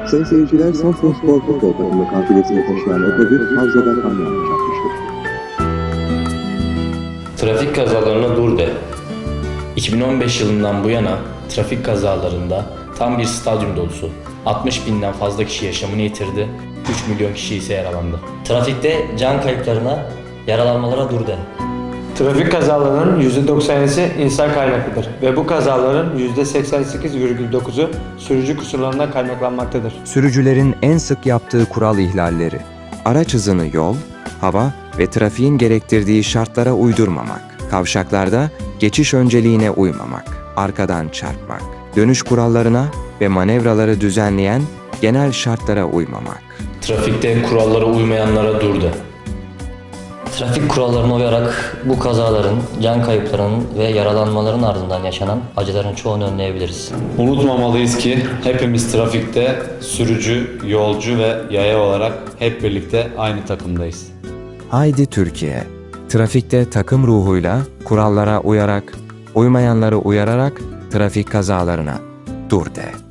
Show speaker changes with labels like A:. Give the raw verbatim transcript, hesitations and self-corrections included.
A: Sayın seyirciler, Samsun Spor Futbol Takımı kafilesini taşıyan otobüs Havzada kamyonla çarpmıştır.
B: Trafik kazalarına dur de. iki bin on beş yılından bu yana trafik kazalarında tam bir stadyum dolusu altmış binden fazla kişi yaşamını yitirdi, üç milyon kişi ise yaralandı.
C: Trafikte can kayıplarına, yaralanmalara dur de.
D: Trafik kazalarının yüzde doksan yedisi insan kaynaklıdır ve bu kazaların yüzde seksen sekiz virgül dokuzu sürücü kusurlarından kaynaklanmaktadır.
E: Sürücülerin en sık yaptığı kural ihlalleri: araç hızını yol, hava ve trafiğin gerektirdiği şartlara uydurmamak, kavşaklarda geçiş önceliğine uymamak, arkadan çarpmak, dönüş kurallarına ve manevraları düzenleyen genel şartlara uymamak.
B: Trafikte kurallara uymayanlara dur de.
C: Trafik kurallarına uyarak bu kazaların, can kayıplarının ve yaralanmaların ardından yaşanan acıların çoğunu önleyebiliriz.
F: Unutmamalıyız ki hepimiz trafikte sürücü, yolcu ve yaya olarak hep birlikte aynı takımdayız.
E: Haydi Türkiye! Trafikte takım ruhuyla, kurallara uyarak, uymayanları uyararak trafik kazalarına dur de.